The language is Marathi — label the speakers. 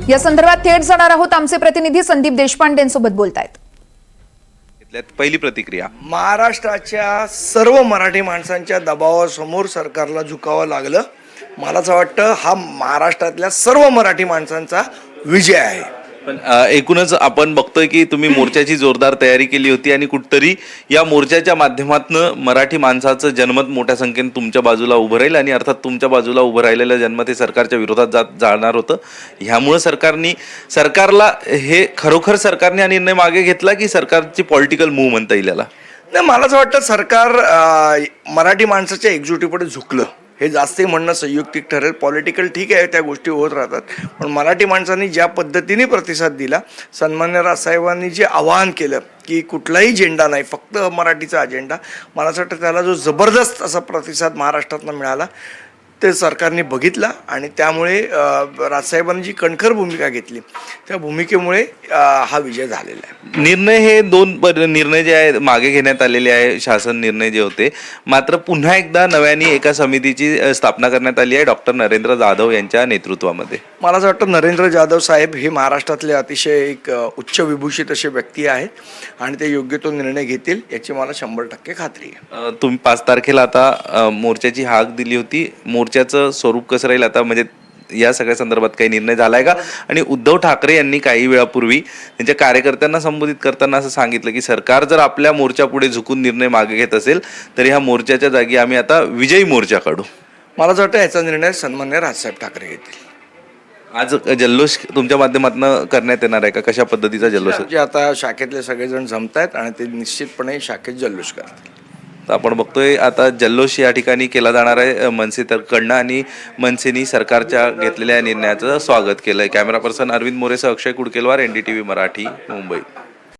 Speaker 1: या संदर्भात थेट जाणार आहोत, आमचे प्रतिनिधी संदीप देशपांडेंसोबत बोलतायत।
Speaker 2: पहिली प्रतिक्रिया,
Speaker 3: महाराष्ट्राच्या सर्व मराठी माणसांच्या दबावासमोर सरकारला झुकावं लागलं। मला असं वाटतं हा महाराष्ट्रातल्या सर्व मराठी माणसांचा विजय आहे।
Speaker 2: पण एकूणच आपण बघतोय की तुम्ही मोर्चाची जोरदार तयारी केली होती आणि कुठतरी या मोर्चाच्या माध्यमातून मराठी माणसाचं जनमत मोठ्या संख्येने तुमच्या बाजूला उभं राहील आणि अर्थात तुमच्या बाजूला उभं राहिलेलं जनमत हे सरकारच्या विरोधात जाणार होतं। ह्यामुळे सरकारला हे खरोखर सरकारने हा निर्णय मागे घेतला की सरकारची पॉलिटिकल मूव्ह म्हणता येईल याला?
Speaker 3: नाही, मला असं वाटतं सरकार मराठी माणसाच्या एकजुटीपुढे झुकलं हे जास्त म्हणणं संयुक्तिक ठरेल। पॉलिटिकल ठीक आहे, त्या गोष्टी होत राहतात, पण मराठी माणसांनी ज्या पद्धतीने प्रतिसाद दिला, सन्मान्य राजसाहेबांनी जे आवाहन केलं की कुठलाही झेंडा नाही, फक्त मराठीचा अजेंडा, मला असं वाटतं त्याला जो जबरदस्त असा प्रतिसाद महाराष्ट्रातनं मिळाला ते सरकारने बघितला आणि त्यामुळे राजसाहेबांनी जी कणखर भूमिका घेतली त्या भूमिकेमुळे हा विजय झालेला आहे।
Speaker 2: निर्णय हे दोन निर्णय जे आहे मागे घेण्यात आलेले आहे, शासन निर्णय जे होते, मात्र पुन्हा एकदा नव्याने एका समितीची स्थापना करण्यात आली आहे डॉक्टर नरेंद्र जाधव यांच्या नेतृत्वामध्ये।
Speaker 3: मला असं वाटतं नरेंद्र जाधव साहेब हे महाराष्ट्रातले अतिशय एक उच्च विभूषित असे व्यक्ती आहेत आणि ते योग्य तो निर्णय घेतील याची मला 100% खात्री आहे।
Speaker 2: तुम्ही 5 तारखेला आता मोर्चाची हाक दिली होती, मोर्चाचं स्वरूप कसं राहील आता, म्हणजे या सगळ्या संदर्भात काही निर्णय झालाय का? आणि उद्धव ठाकरे यांनी काही वेळापूर्वी त्यांच्या कार्यकर्त्यांना संबोधित करताना असं सांगितलं की सरकार जर आपल्या मोर्चापुढे झुकून निर्णय मागे घेत असेल तर ह्या मोर्चाच्या जागी आम्ही आता विजयी मोर्चा काढू।
Speaker 3: मला असं वाटतं याचा निर्णय सन्मान्य राजसाहेब ठाकरे घेतील।
Speaker 2: आज जल्लोष तुमच्या माध्यमातून करण्यात येणार आहे का? कशा पद्धतीचा जल्लोष?
Speaker 3: जे आता शाखेतले सगळेजण जमतायत आणि ते निश्चितपणे शाखेत जल्लोष करतील।
Speaker 2: आपण बघतोय आता जल्लोष या ठिकाणी केला जाणार आहे मनसेकडनं आणि मनसेनी सरकारच्या घेतलेल्या निर्णयाचं स्वागत केलंय। कॅमेरा पर्सन अरविंद मोरेसह अक्षय कुडकेलवार, NDTV मराठी, मुंबई।